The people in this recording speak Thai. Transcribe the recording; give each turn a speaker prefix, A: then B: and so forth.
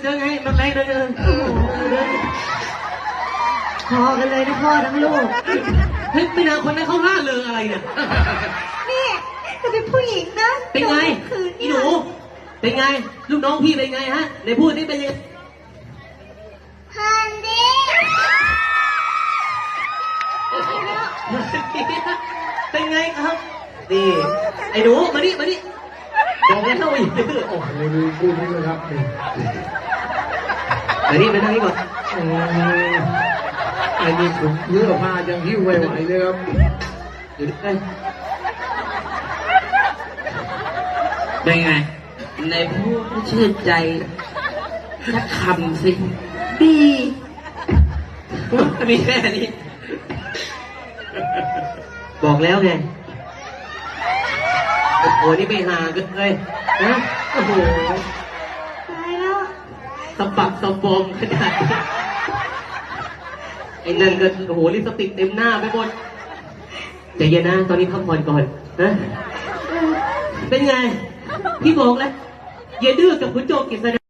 A: เดินไงมาไปเดิน
B: พอกันเลยนะพ่อทั้งลูก
A: เฮ้ยไม่นานคนนั้นเขาล่าเริงอะไรเนี่ย
B: นี่จะเป็นผู้หญิงนะ
A: เป็นไงอีหนูเป็นไงลูกน้องพี่เป็นไงฮะในพูดนี่เป็นยัง
B: ฮันดี้
A: เป็นไงครับนี่ไอ้หนูมาดิบอกแล้วอีกโอ้โห
C: พูดนี่เลยครับ
A: มาดิไปทางนี้ก่อน
C: ไอ้นี่ผมเลือกผ้ายังหิ้วไหวเลยครับ
A: อยู่ดิ
D: เป็นไงในพูดชื่นใจสักคำสิ
B: ดี
A: มีแค่นี้บอกแล้วไงโอ้โหนี่ไปหากันเลยนะโอ้โห
B: ตายแล้ว
A: สะบักสะบอมขนาดไอ้นั่นก็โอ้โหลิปสติกเต็มหน้าไปหมดใจเย็นนะตอนนี้พักผ่อนก่อนนะเป็นไงพี่บอกแล้วอย่าดื้อกับคุณโจกิษณะ